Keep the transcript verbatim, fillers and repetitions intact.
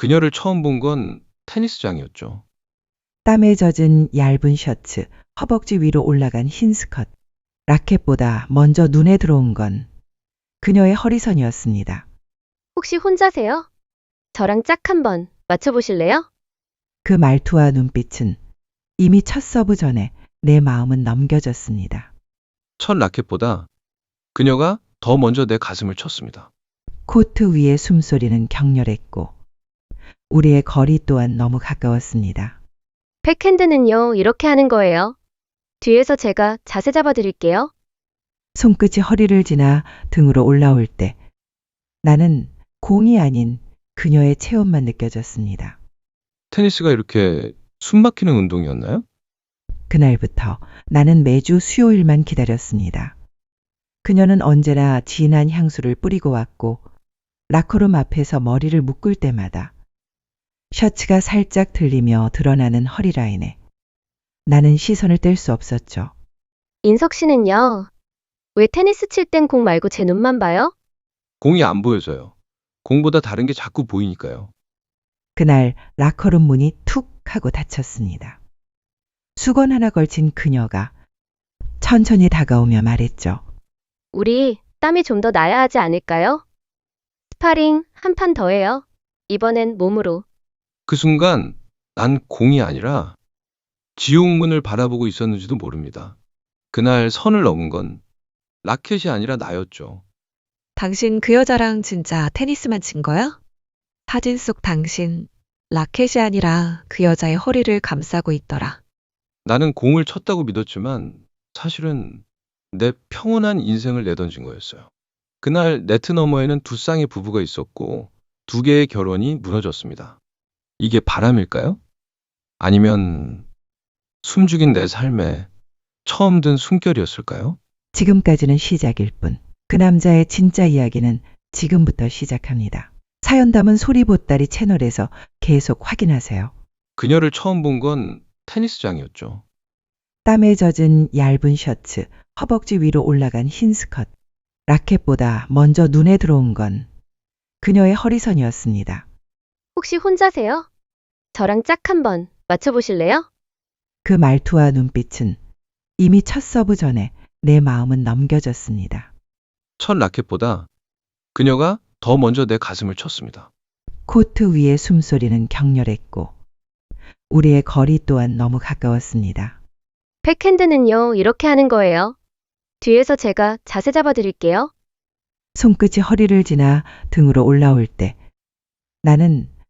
그녀를 처음 본 건 테니스장이었죠. 땀에 젖은 얇은 셔츠, 허벅지 위로 올라간 흰 스커트. 라켓보다 먼저 눈에 들어온 건 그녀의 허리선이었습니다. 혹시 혼자세요? 저랑 짝 한번 맞춰보실래요? 그 말투와 눈빛은 이미 첫 서브 전에 내 마음은 넘겨졌습니다. 첫 라켓보다 그녀가 더 먼저 내 가슴을 쳤습니다. 코트 위의 숨소리는 격렬했고 우리의 거리 또한 너무 가까웠습니다. 백핸드는요, 이렇게 하는 거예요. 뒤에서 제가 자세 잡아드릴게요. 손끝이 허리를 지나 등으로 올라올 때 나는 공이 아닌 그녀의 체온만 느껴졌습니다. 테니스가 이렇게 숨막히는 운동이었나요? 그날부터 나는 매주 수요일만 기다렸습니다. 그녀는 언제나 진한 향수를 뿌리고 왔고 라커룸 앞에서 머리를 묶을 때마다 셔츠가 살짝 들리며 드러나는 허리라인에 나는 시선을 뗄 수 없었죠. 인석 씨는요, 왜 테니스 칠 땐 공 말고 제 눈만 봐요? 공이 안 보여져요. 공보다 다른 게 자꾸 보이니까요. 그날 라커룸 문이 툭 하고 닫혔습니다. 수건 하나 걸친 그녀가 천천히 다가오며 말했죠. 우리 땀이 좀 더 나야 하지 않을까요? 스파링 한 판 더 해요. 이번엔 몸으로. 그 순간 난 공이 아니라 지옥문을 바라보고 있었는지도 모릅니다. 그날 선을 넘은 건 라켓이 아니라 나였죠. 당신 그 여자랑 진짜 테니스만 친 거야? 사진 속 당신 라켓이 아니라 그 여자의 허리를 감싸고 있더라. 나는 공을 쳤다고 믿었지만 사실은 내 평온한 인생을 내던진 거였어요. 그날 네트 너머에는 두 쌍의 부부가 있었고 두 개의 결혼이 무너졌습니다. 이게 바람일까요? 아니면 숨죽인 내 삶에 처음 든 숨결이었을까요? 지금까지는 시작일 뿐. 그 남자의 진짜 이야기는 지금부터 시작합니다. 사연 담은 소리 보따리 채널에서 계속 확인하세요. 그녀를 처음 본 건 테니스장이었죠. 땀에 젖은 얇은 셔츠, 허벅지 위로 올라간 흰 스커트. 라켓보다 먼저 눈에 들어온 건 그녀의 허리선이었습니다. 혹시 혼자세요? 저랑 짝 한번 맞춰보실래요? 그 말투와 눈빛은 이미 첫 서브 전에 내 마음은 넘겨졌습니다. 첫 라켓보다 그녀가 더 먼저 내 가슴을 쳤습니다. 코트 위의 숨소리는 격렬했고 우리의 거리 또한 너무 가까웠습니다. 백핸드는요, 이렇게 하는 거예요. 뒤에서 제가 자세 잡아드릴게요. 손끝이 허리를 지나 등으로 올라올 때 나는